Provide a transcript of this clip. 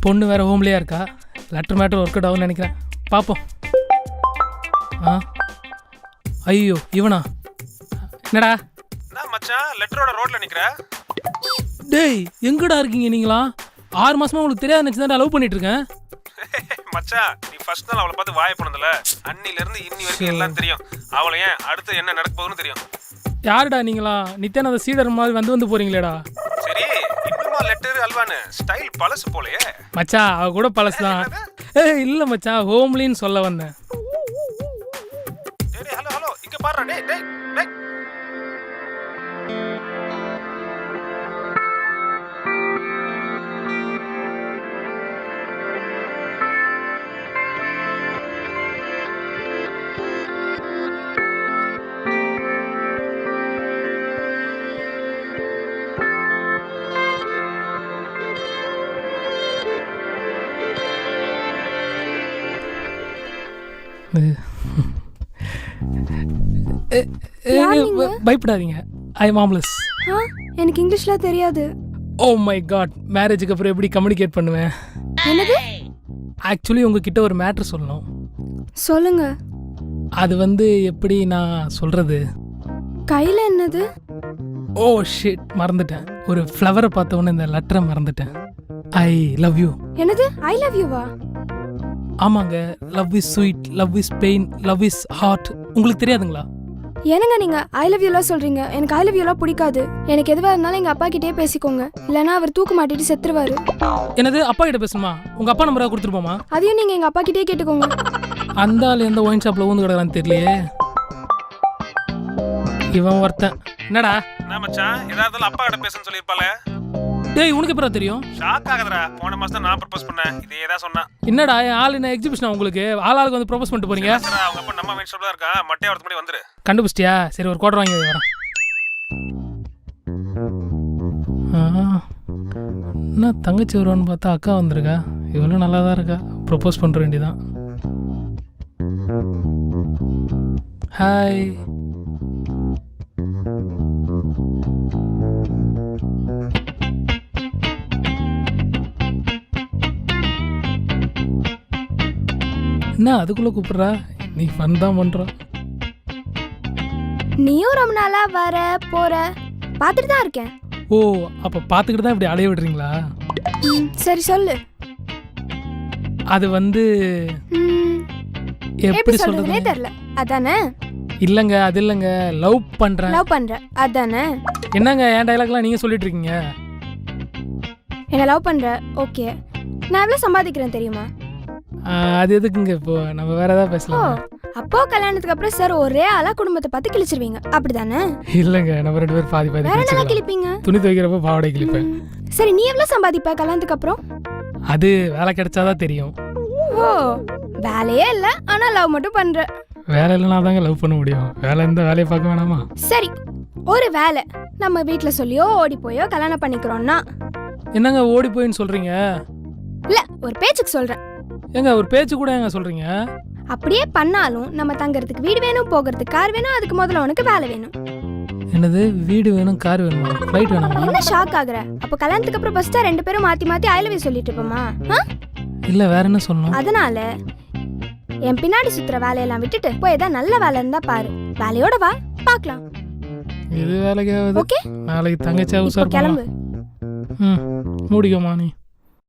பொண்ணு வேறு ஹோம்லேயே இருக்கா. லெட்டர் மேட்டர் ஒர்க் அவுட் ஆகும்னு நினைக்கிறேன். பார்ப்போம். ஆ ஐயோ இவனா? என்னடா நான் மச்சான் லெட்டரோட ரோட்ல நிக்கிறேன். டேய் எங்கடா இருக்கீங்க நீங்களா? 6 மாசமா உங்களுக்கு தெரியாத நினச்சி தான் லவ் பண்ணிட்டு இருக்கேன். மச்சான் நீ ஃபர்ஸ்ட் நாள் அவளை பார்த்து வாய போனதுல அன்னில இருந்து இன்னி வரைக்கும் எல்லாம் தெரியும். அவளை ஏன் அடுத்து என்ன நடக்க போகுதுன்னு தெரியும். யாருடா நீங்களா? நித்யானந்த சீடர் மாதிரி வந்து போறீங்களேடா. சரி இன்னுமா லெட்டர் அல்வானு ஸ்டைல் பழசு போலயே. மச்சான் அவ கூட பழசு தான். இல்லை மச்சான் ஹோம்லின்னு சொல்ல வந்தேன். டேய் ஹலோ ஹலோ இங்க பாருடா. டேய் டேய் டேய் பயப்படாதீங்க. ஐ மாம்லெஸ். எனக்கு இங்கிலீஷ்லாம் தெரியாது. ஓ மை காட், மேரேஜுக்கு அப்புறம் எப்படி கம்யூனிகேட் பண்ணுவேன்? என்னது? ஆக்சுவலி உங்ககிட்ட ஒரு மேட்ரு சொல்லணும். சொல்லுங்க. அது எப்படி நான் சொல்றது? கையில என்னது? ஓ ஷிட், மறந்துட்டேன். ஒரு ஃப்ளவரை பார்த்த உடனே இந்த லெட்டரை மறந்துட்டேன். I love you. என்னது ஐ லவ் யூவா? ஆமாங்க. Love is sweet, love is pain, love is heart. உங்களுக்கு தெரியாதுங்களா? என்னங்க நீங்க ஐ லவ் யூலாம் சொல்றீங்க? எனக்கு ஐ லவ் யூலாம் பிடிக்காது. எனக்கு எதுவா இருந்தாலும் எங்க அப்பா கிட்டே பேசிக்கோங்க, இல்லனா அவர் தூக்கு மாட்டிட்டு செத்துருவாரு. என்னது அப்பா கிட்ட பேசணுமா? உங்க அப்பா நம்பரை கொடுத்துருப்போமா? அதையும் நீங்க எங்க அப்பா கிட்டே கேட்டுக்கோங்க. அந்த ஆள் எந்த ஒயின் ஷாப்ல ஊந்து கிடக்குறான்னு தெரியலையே. இவன் ஒருத்தன். என்னடா? நான் மச்சான் ஏதாவது அப்பா கிட்ட பேசன்னு சொல்லிருப்பாளே. டேய் உனக்கு எப்பரா தெரியும்? ஷாக் ஆகுதுடா. போன மாசம் தான் நான் ப்ரோபோஸ் பண்ணேன். இதே தான் சொன்னா. என்னடா ஆள் என்ன எக்ஸிபிஷனா உங்களுக்கு? ஆளுக்கு வந்து ப்ரோபோஸ் பண்ணிட்டு போறீங்க? சார் அவங்க அப்பா நம்ம மெயின் ஷாப்ல இருக்கா. மட்டைய வரது முன்னாடி வந்துரு. கண்டுபிடிச்சிட்டியா? சரி ஒரு கோட்டர் வாங்கி வரேன். என்ன தங்கச்சி வருவான்னு பார்த்தா அக்கா வந்திருக்கா. இவளும் நல்லா தான் இருக்கா. ப்ரோபோஸ் பண்ணுற வேண்டியதான். ஹாய். என்ன அதுக்குள்ள கூப்பிடுறா? நீ ஃபன் தான் பண்ற. நீயும் ரொம்ப நாளா வர போற பார்த்துட்டு தான் இருக்கேன். ஓ அப்ப பாத்துக்கிட்டு தான் இப்படி அலைய விடுறீங்களா? சரி சொல்லு. அது எப்படி சொல்றதுனே தெரியல. அதானே? இல்லங்க அது இல்லங்க. லவ் பண்றேன். லவ் பண்ற அதானே? என்னங்க என் டயலாக்லாம் நீங்க சொல்லிட்டு இருக்கீங்க? என்ன லவ் பண்ற? ஓகே. நான் எவ்வளவு சம்பாதிக்கிறேன் தெரியுமா? அது எதுக்குங்க இப்போ? நம்ம வேற ஏதாவது பேசலாம். அப்போ கல்யாணத்துக்கு அப்புறம் சார் ஒரே ஆளா குடும்பத்தை பார்த்து கிழிச்சிருவீங்க அப்படிதானே? இல்லங்க நம்ம 2 பேரும் பாதி பாதி கிழிச்சிக்கலாம். கிழிப்பீங்க. துணி துவைக்கிறப்ப பாவாடை கிழிப்பேன். சரி நீ எவ்வளவு சம்பாதிப்ப கல்யாணத்துக்கு அப்புறம்? அது வேலை கிடைச்சாதான் தெரியும். ஓ வேலையே இல்ல ஆனா லவ் மட்டும் பண்ற. வேலை இல்லைனா தாங்க லவ் பண்ண முடியும். வேலை இருந்தா வேலையை பார்க்க வேணாமா? சரி ஒரு வேலை நம்ம வீட்டுல சொல்லியோ ஓடி போயோ கல்யாணம் பண்ணிக்கிறோம்னா என்னங்க ஓடி போயின்னு சொல்றீங்க? இல்ல ஒரு பேச்சுக்கு சொல்றேன். ஏங்க ஒரு பேச்சு கூட ஏங்க சொல்றீங்க? அப்படியே பண்ணாலும் நம்ம தங்கறதுக்கு வீடு வேணும், போகிறதுக்கு கார் வேணும், அதுக்கு முதல்ல உனக்கு வேலை வேணும். என்னது வீடு வேணும் கார் வேணுமா? ஃப்ளைட் வேணுமா? என்ன ஷாக் ஆகுற? அப்ப கல்யாணத்துக்கு அப்புறம் ஃபர்ஸ்ட் 2 பேரும் மாத்தி மாத்தி ஐ லவ் யூ சொல்லிட்டு இருப்போமா? இல்ல வேற என்ன சொல்லணும்? அதனால என் பின்னாடி சுத்துற வேலையெல்லாம் விட்டுட்டு போய் ஏதாவது நல்ல வேலை இருந்தா பாரு. வேலையோட வா பார்க்கலாம். இது வேலைக்கு ஆகுது. ஓகே நாளைக்கு தங்கச்சி அவசரம் கிளம்பு. மூடிக்கோமா நீ.